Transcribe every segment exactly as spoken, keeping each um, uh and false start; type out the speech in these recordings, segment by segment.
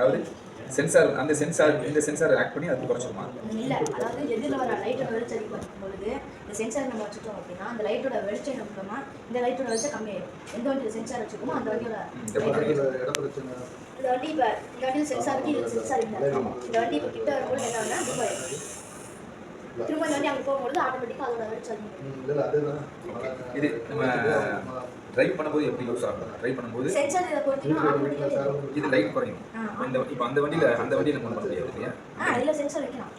அதாவது சென்சார் அந்த சென்சார் இந்த சென்சார் ஆக்ட் பண்ணி அது குறைச்சிருமா? இல்லை, அதாவது எதிரில் வர லைட்டோட வெளிச்சம் அதிகமாகும் பொழுது இந்த சென்சார் நம்ம வச்சுட்டோம் அப்படின்னா அந்த லைட்டோட வெளிச்சம் என்ன பண்ணோம்னா இந்த லைட்டோட வெளிச்சம் கம்மியாயிடும். எந்த வண்டியில் சென்சார் வச்சுக்கோமோ அந்த வண்டியோட இட பிரச்சனை. இந்த வண்டி இப்போ இந்த வண்டியில் சென்சார் இருக்கு, இது சென்சார் இல்லை. இந்த வண்டி இப்போ கிட்ட வரும்போது என்ன ஆகுனா புக் ஆயிடும். திரும்ப இந்த வண்டி அங்கே போகும்போது ஆட்டோமேட்டிக்காக அதோட வெளிச்சம் அதிகமாகும். இது நம்ம டிரைவ் பண்ணும்போது எப்படி யூஸ் ஆகும்? டிரைவ் பண்ணும்போது சென்சார் இதை பொறுத்தீங்கன்னா ஆட்டோமேட்டிக்காக இது லைட் குறையும். இந்த இப்போ அந்த வண்டியில் அந்த வண்டியில் நம்ம பண்ண முடியாது இல்லையா? ஆ இதில் சென்சார் வைக்கலாம்.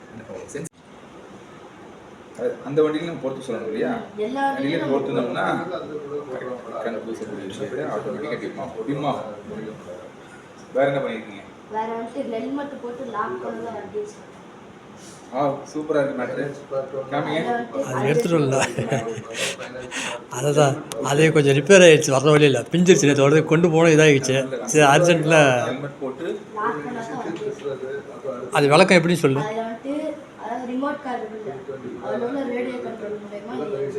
அந்த வண்டியில நம்ம பொறுத்து சொல்லணும் இல்லையா? எல்லா வண்டியிலும் பொறுத்துனோம்னா கண்டுபிடிச்சக்கூடிய விஷயத்தை ஆட்டோமேட்டிக்காக டிம்மா டிம்மா வேற என்ன பண்ணியிருக்கீங்க? வேற வந்துட்டு ஹெல்மெட் போட்டு லாக் பண்ணல வண்டி. ஆ சூப்பராக இருக்கு மேட்ரு. காமிங்க. அது எடுத்துகிட்டு வரல. அதை தான் அதே கொஞ்சம் ரிப்பேர் ஆகிடுச்சு வர வழியில் பிஞ்சிருச்சு. நேற்று உடனே கொண்டு போனோம் இதாகிடுச்சு. சரி அர்ஜென்ட்டில் ஹெல்மெட் போட்டு லாக் பண்ணா தான் அது விளக்கம் எப்படின்னு சொல்லு. அதில் வந்துட்டு அதாவது ரிமோட் கார் இல்லை, அதில் உள்ள ரேடியோ கண்ட்ரோல் மூலயமா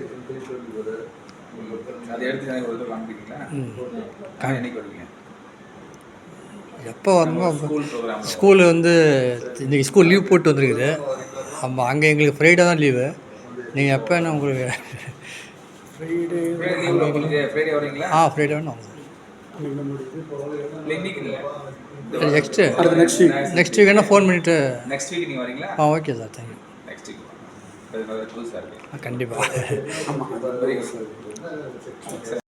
அதை எடுத்து எனக்கு ஒரு காமிக்கிறீங்களா? என்னைக்கு வருவீங்க? எப்போ வரணுமோ ஸ்கூல் ப்ரோக்ராம். ஸ்கூலு வந்து இன்றைக்கி ஸ்கூல் லீவ் போட்டு வந்துருக்குது. ஆமாம், அங்கே எங்களுக்கு ஃப்ரைடே தான் லீவு. நீங்கள் எப்போ என்ன உங்களுக்கு ஃப்ரைடே உங்களுக்கு ஃப்ரைடே வரீங்களா? ஆ ஃப்ரைடே வேணும். இன்னைக்கு இல்லை, next next week next week என்ன ஃபோன் பண்ணிவிட்டு நெக்ஸ்ட் வீக் நீங்கள் வரீங்களா? ஆ okay sir, thank you. Next week அது புதுசாக இருக்குது. கண்டிப்பாக. ஆமாம், வெரி குட்.